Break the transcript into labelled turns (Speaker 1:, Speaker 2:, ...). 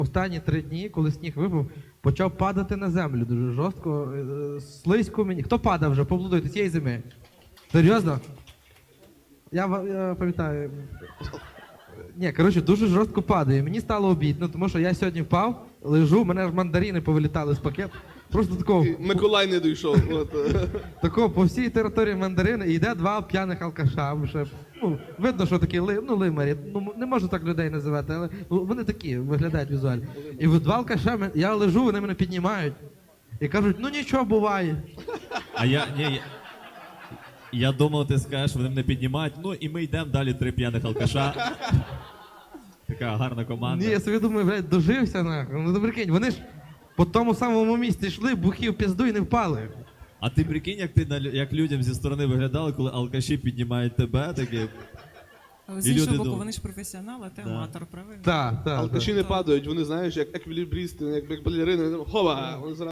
Speaker 1: Останні 3 дні, коли сніг випав, почав падати на землю дуже жорстко, слизько мені. Хто падав вже? Поаплодуйте цієї зими. Серйозно? Я пам'ятаю. Ні, коротше, дуже жорстко падає. Мені стало обідно, тому що я сьогодні впав, лежу, мене ж мандарини повилітали з пакету. Просто такого...
Speaker 2: Миколай не дійшов.
Speaker 1: Такого по всій території мандарини і йде 2 п'яних алкаша. Вже, видно, що такі лимарі. Не можу так людей називати, але вони такі виглядають візуально. І 2 алкаша, я лежу, вони мене піднімають. І кажуть, нічого буває.
Speaker 3: А я думав, ти скажеш, вони мене піднімають, і ми йдемо далі 3 п'яних алкаша. Така гарна команда.
Speaker 1: Ні, я собі думаю, блядь, дожився нахуй. Ну прикинь, вони ж по тому самому місці йшли, бухів пізду і не впали.
Speaker 3: А ти прикинь, як людям зі сторони виглядали, коли алкаші піднімають тебе, такі...
Speaker 4: Але з іншого боку, вони ж професіонали, а ти аматор, правильно?
Speaker 1: Так.
Speaker 2: Алкаші не падають, вони, знаєш, як еквілібристи, як балерини, хова, вони